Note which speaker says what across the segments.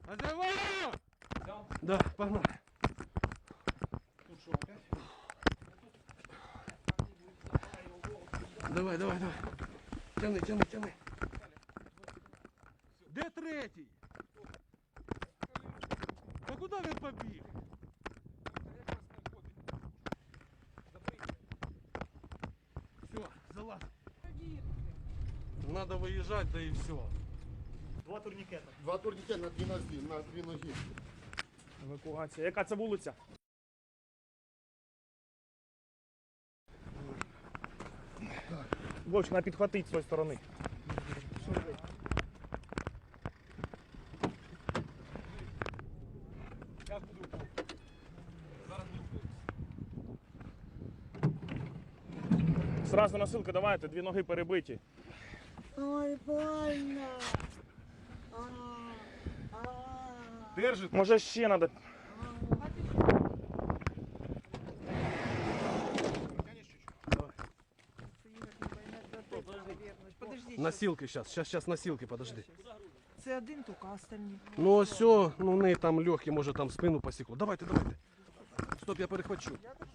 Speaker 1: Называю! Да, погнали. Давай, давай, давай. Тяни, тяни, тяни. Де третій? Та куди він побіг? Все, залазь. Надо выезжать, да и все.
Speaker 2: Два турнікета.
Speaker 3: Два турнікети на дві ноги.
Speaker 2: Евакуація. Яка це вулиця? Вовч, на підхватить з цієї сторони. Зразу носилки давайте, дві ноги перебиті.
Speaker 4: Ой, больно.
Speaker 1: Держит.
Speaker 2: Може ще треба.
Speaker 4: Подожди.
Speaker 1: Носилки сейчас носилки, подожди.
Speaker 4: Це один тільки, а остальні.
Speaker 1: Ну все, ну в неї там легкий, може там спину посікло. Давайте, давайте. Стоп, я перехвачу.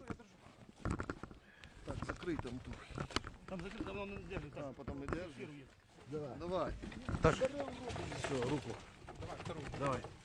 Speaker 3: Так, закрий там тут.
Speaker 2: Там закрито, воно не держить.
Speaker 3: А, потім не держиш. Давай.
Speaker 1: Так, все, руку. Давай.